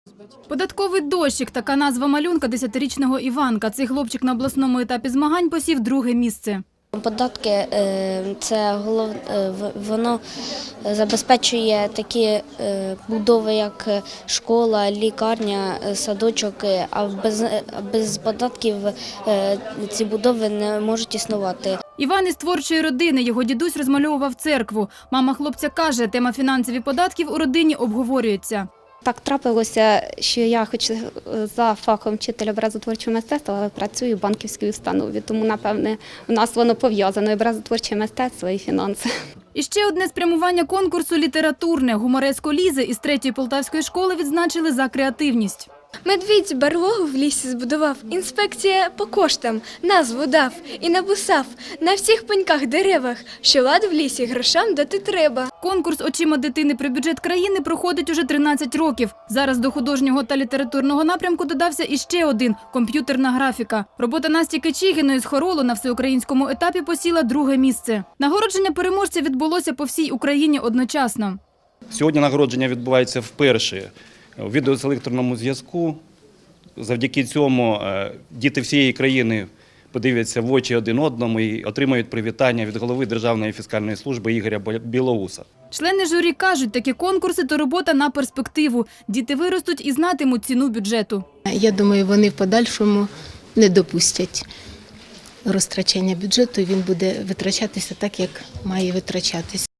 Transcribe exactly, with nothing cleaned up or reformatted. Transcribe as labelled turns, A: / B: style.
A: Податковий дощик – така назва малюнка десятирічного Іванка. Цей хлопчик на обласному етапі змагань посів друге місце.
B: Податки – це голов... воно забезпечує такі будови, як школа, лікарня, садочок, а без, без податків ці будови не можуть існувати.
A: Іван із творчої родини. Його дідусь розмальовував церкву. Мама хлопця каже, тема фінансові податків у родині обговорюється.
C: Так трапилося, що я хоч за фахом вчителя образотворчого мистецтва, але працюю в банківській установі. Тому, напевне, в нас воно пов'язано – образотворче мистецтво і фінанси.
A: І ще одне спрямування конкурсу – літературне. Гумореску Лізи із третьої полтавської школи відзначили за креативність.
D: Медвідь барлогу в лісі збудував, інспекція по коштам, назву дав і написав на всіх пеньках деревах, що лад в лісі грошам дати треба.
A: Конкурс «Очима дитини» при бюджет країни проходить уже тринадцять років. Зараз до художнього та літературного напрямку додався іще один – комп'ютерна графіка. Робота Насті Кичігіної з хоролу на всеукраїнському етапі посіла друге місце. Нагородження переможця відбулося по всій Україні одночасно.
E: Сьогодні нагородження відбувається вперше у відеоселекторному зв'язку. Завдяки цьому діти всієї країни подивляться в очі один одному і отримають привітання від голови Державної фіскальної служби Ігоря Білоуса.
A: Члени журі кажуть, такі конкурси – то робота на перспективу. Діти виростуть і знатимуть ціну бюджету.
F: Я думаю, вони в подальшому не допустять розтрачання бюджету, і він буде витрачатися так, як має витрачатися.